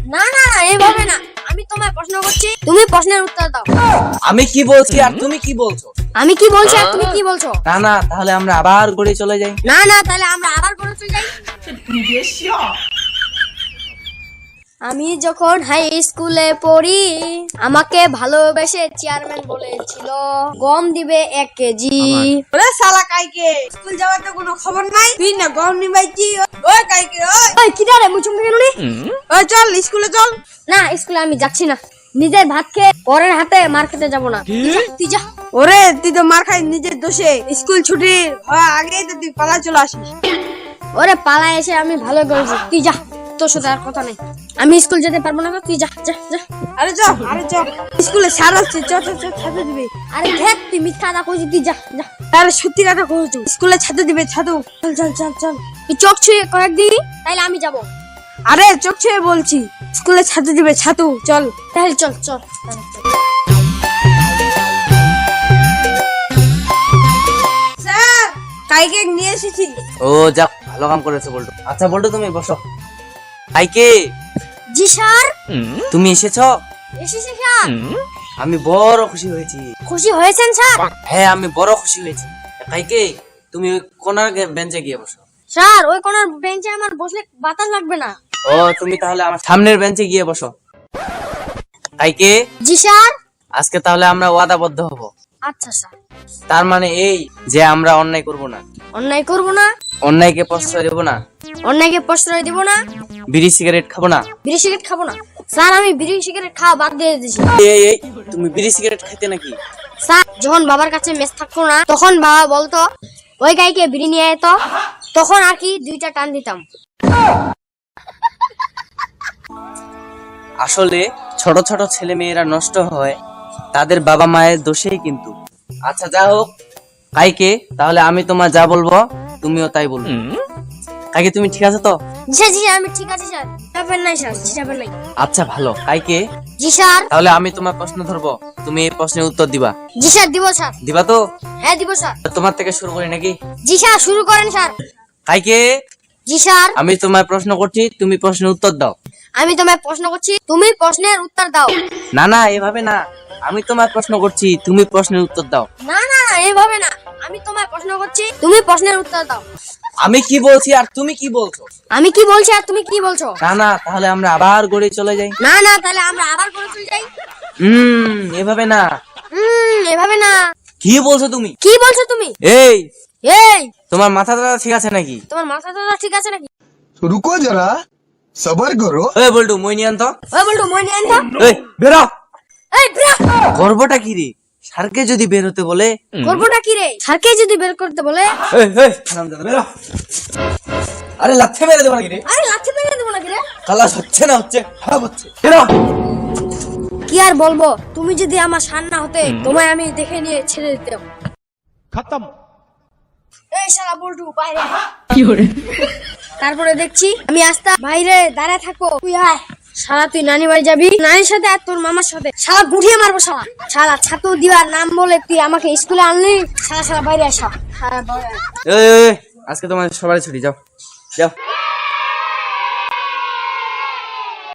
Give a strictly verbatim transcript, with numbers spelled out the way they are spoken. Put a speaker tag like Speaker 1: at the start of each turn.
Speaker 1: না না এইভাবে না, আমি তোমায় প্রশ্ন করছি, তুমি প্রশ্নের উত্তর দাও।
Speaker 2: আমি কি বলছি আর তুমি কি বলছো?
Speaker 1: আমি কি বলছি আর তুমি কি বলছো?
Speaker 2: না না, তাহলে আমরা আবার ঘুরে চলে যাই।
Speaker 1: না না, তাহলে আমরা আবার করে চলে যাই। আমি যখন হাই স্কুলে পড়ি, আমাকে ভালোবেসে চেয়ারম্যান বলেছিল গম দিবে এক কেজি।
Speaker 3: ওরে শালা কাইকে, স্কুল যাওয়ার তো কোনো খবর নাই, তুই না গম নিবাইছি। ওই কাইকে, ওই
Speaker 1: ওই কি রে মুচুম কেন রে?
Speaker 3: ওই চল স্কুলে চল।
Speaker 1: না, স্কুলে আমি যাচ্ছি না, নিজের ভাত খেয়ে পরের হাতে মার খেতে যাবো না। তুই যা।
Speaker 3: ওরে তুই তো মার খাই নিজের দোষে, স্কুল ছুটি হওয়ার আগেই তো তুই পালা চলে আসিস।
Speaker 1: ওরে পালা এসে আমি ভালো করেছি, তুই যা, তোর সাথে আর কথা নেই। আমি স্কুল যেতে পারবো না, তুই যা যা যা।
Speaker 3: আরে চ আরে চ, স্কুলে স্যার আসছে, চ চ চ ছাতু দিবে।
Speaker 1: আরে দেখ তুই মিথ্যা কথা কইছিস, তুই যা যা।
Speaker 3: তাহলে সত্যি কথা কইছো, স্কুলে ছাতু দিবে, ছাতু। চল চল চল চল।
Speaker 1: তুই চোখ ছুঁয়ে কয়েক দিন, তাইলে আমি যাবো।
Speaker 3: আরে চোখ ছুঁয়ে বলছি, স্কুলে ছাতু দিবে, ছাতু। চল
Speaker 1: তাহলে চল চল।
Speaker 3: স্যার কাইকে নিয়ে এসেছি।
Speaker 2: ও যাক, ভালো কাম করেছো বল্টু। আচ্ছা বল্টু, তুমি বসো। কাইকে,
Speaker 1: জি স্যার।
Speaker 2: তুমি এসেছো?
Speaker 1: এসেছি স্যার।
Speaker 2: আমি বড় খুশি হয়েছি।
Speaker 1: খুশি হয়েছেন স্যার?
Speaker 2: হ্যাঁ, আমি বড় খুশি হয়েছি। কাইকে, তুমি ওই কোনার বেঞ্চে গিয়ে বসো।
Speaker 1: স্যার ওই কোনার বেঞ্চে আমার বসলে বাতাস লাগবে না।
Speaker 2: ও, তুমি তাহলে আমার সামনের বেঞ্চে গিয়ে বসো। কাইকে,
Speaker 1: জি স্যার।
Speaker 2: আজকে তাহলে আমরা ওয়াদাবদ্ধ হব।
Speaker 1: আচ্ছা স্যার।
Speaker 2: তার মানে এই যে আমরা অন্যায় করব না,
Speaker 1: অন্যায় করবো না,
Speaker 2: অন্যায়কে প্রশ্রয় দেব না,
Speaker 1: অন্যায়কে প্রশ্রয় দিব না,
Speaker 2: বিড়ি সিগারেট খাবো না।
Speaker 1: বিড়ি সিগারেট খাবো না। স্যার আমি বিড়ি সিগারেট খাওয়া বাদ দিয়ে দিয়েছি।
Speaker 2: এই এই, তুমি বিড়ি সিগারেট খাইতে নাকি?
Speaker 1: স্যার যখন বাবার কাছে মেস থাকতো না, তখন বাবা বলতো ওই গাইকে বিড়ি নিয়ে আয় তো, তখন আর কি দুইটা টান দিতাম।
Speaker 2: আসলে ছোট ছোট ছেলে মেয়েরা নষ্ট হয় তাদের বাবা মায়ের দোষেই কিন্তু। আচ্ছা যা হোক কাইকে, তাহলে আমি তোমার যা বলবো তুমিও তাই বলবে। কাইকে, তুমি ঠিক আছে তো?
Speaker 1: জি স্যার, জি স্যার, আমি ঠিক আছে স্যার, চাপেন নাই স্যার, চাপেন নাই।
Speaker 2: আচ্ছা ভালো। কাইকে,
Speaker 1: জি স্যার।
Speaker 2: তাহলে আমি তোমার প্রশ্ন ধরবো, তুমি এই প্রশ্নের উত্তর দিবা।
Speaker 1: জি স্যার, দিব স্যার।
Speaker 2: দিবা তো?
Speaker 1: হ্যাঁ দিব স্যার।
Speaker 2: তোমার থেকে শুরু করি নাকি?
Speaker 1: জি স্যার, শুরু করেন স্যার।
Speaker 2: কাইকে,
Speaker 1: জি স্যার।
Speaker 2: আমি তোমার প্রশ্ন করছি, তুমি প্রশ্নের উত্তর দাও।
Speaker 1: আমি তোমায় প্রশ্ন করছি, তুমি প্রশ্নের উত্তর দাও।
Speaker 2: না না, এভাবে না, আমি তোমার প্রশ্ন করছি, তুমি প্রশ্নের উত্তর দাও।
Speaker 1: না না এইভাবে না, আমি তোমায় প্রশ্ন করছি, তুমি প্রশ্নের উত্তর দাও।
Speaker 2: আমি কি বলছি আর তুমি কি বলছো?
Speaker 1: আমি কি বলছি আর তুমি কি বলছো?
Speaker 2: না না, তাহলে আমরা আবার গড়ে চলে যাই।
Speaker 1: না না, তাহলে আমরা আবার করে চলে যাই।
Speaker 2: হুম, এভাবে না।
Speaker 1: হুম, এভাবে না।
Speaker 2: কি বলছো তুমি?
Speaker 1: কি বলছো তুমি?
Speaker 2: এই,
Speaker 1: এই
Speaker 2: তোমার মাথাটা ঠিক আছে নাকি?
Speaker 1: তোমার মাথা টাথা ঠিক আছে নাকি?
Speaker 4: तो रुको जरा सबर करो।
Speaker 2: ওই বল্টু, মই নিয়ে আনতো।
Speaker 1: ওই বলতো মই নিয়ে আনতো।
Speaker 2: এই বেরো।
Speaker 1: এই ব্রা,
Speaker 2: গর্বটা কি রে? স্যারকে যদি বের হতে বলে?
Speaker 1: করবোটা কি রে? স্যারকে যদি বের করতে বলে?
Speaker 2: এই এই, হারামজাদা, বেরো। আরে লাথি মেরে দেবো নাকি রে?
Speaker 1: আরে লাঠি মেরে দেবো নাকি রে?
Speaker 2: কালাস হচ্ছে না হচ্ছে, খারাপ হচ্ছে। বেরো।
Speaker 1: কি আর বলবো, তুমি যদি আমার সান না হতে, তোমায় আমি দেখে নিয়ে ছেড়ে দিতাম।
Speaker 4: खत्म।
Speaker 1: এই শালা বল্টু বাইরে আয়। তারপরে দেখছি আমি আস্তা বাইরে দাঁড়ায় থাকবো, তুই আয়। শালা তুই নানি বাড়ি যাবি, নানির সাথে আর তোর মামার সাথে। শালা গুঠিয়ে মারবো শালা। শালা ছাতু দিবার নাম বলে তুই আমাকে স্কুলে আনলি। শালা শালা বাইরে আসা। শালা বাইরে আয়।
Speaker 2: এই, এই, এই, আজকে তোমার সবাই ছুটি, যাও যাও।